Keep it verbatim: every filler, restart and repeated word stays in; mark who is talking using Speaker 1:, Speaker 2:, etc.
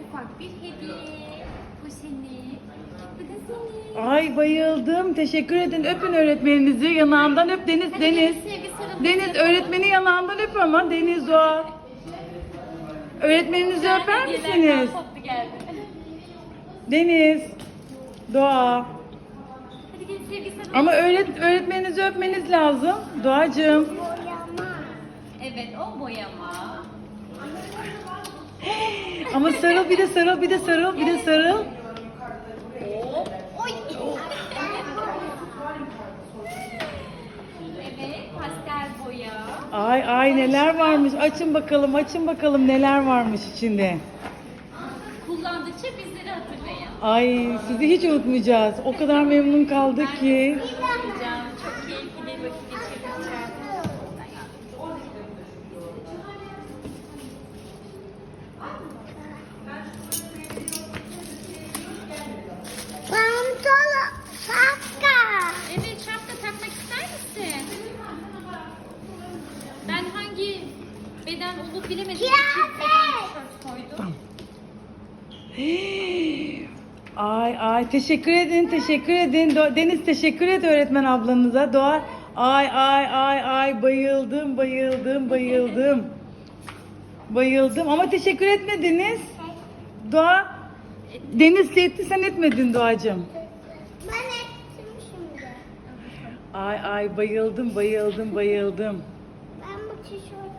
Speaker 1: ufak bir hediye. Bu senin. Bu da senin.
Speaker 2: Ay bayıldım. Teşekkür edin. Öpün öğretmeninizi. Yanağından öp Deniz.
Speaker 1: Hadi
Speaker 2: Deniz.
Speaker 1: Deniz, sevgi sarılması
Speaker 2: Deniz
Speaker 1: yapalım.
Speaker 2: öğretmeni yanağından öp ama. Deniz Doğa. Öğretmeninizi öper
Speaker 1: Hediyeler
Speaker 2: misiniz?
Speaker 1: toplu geldi.
Speaker 2: Deniz. Doğa.
Speaker 1: Hadi gelin sevgi sarılması.
Speaker 2: Ama öğret öğretmeninizi öpmeniz lazım. Doğacığım.
Speaker 1: Evet, o boyama.
Speaker 2: Ama sarıl bir de sarıl bir de sarıl bir de sarıl.
Speaker 1: Oy. Evet, pastel boya.
Speaker 2: Ay ay neler varmış. Açın bakalım açın bakalım neler varmış içinde.
Speaker 1: Kullandıkça bizleri hatırlayın.
Speaker 2: Ay sizi hiç unutmayacağız. O kadar memnun kaldık ki.
Speaker 1: Hocam çok keyifli vakit geçireceğiz.
Speaker 3: Pantolon, şapka.
Speaker 1: Evet, şapka takmak ister misin? Ben hangi beden olup bilemedim.
Speaker 3: Kıyafet.
Speaker 1: Tişört koydum.
Speaker 2: Ay ay teşekkür edin teşekkür edin. Do- Deniz teşekkür et öğretmen ablanıza. Doğa ay ay ay ay bayıldım bayıldım bayıldım. Bayıldım ama teşekkür etmediniz. Doğa Deniz etti sen etmedin Doğacığım.
Speaker 3: Ben ettim şimdi.
Speaker 2: Ay ay bayıldım bayıldım bayıldım.
Speaker 3: Ben bu tişörtü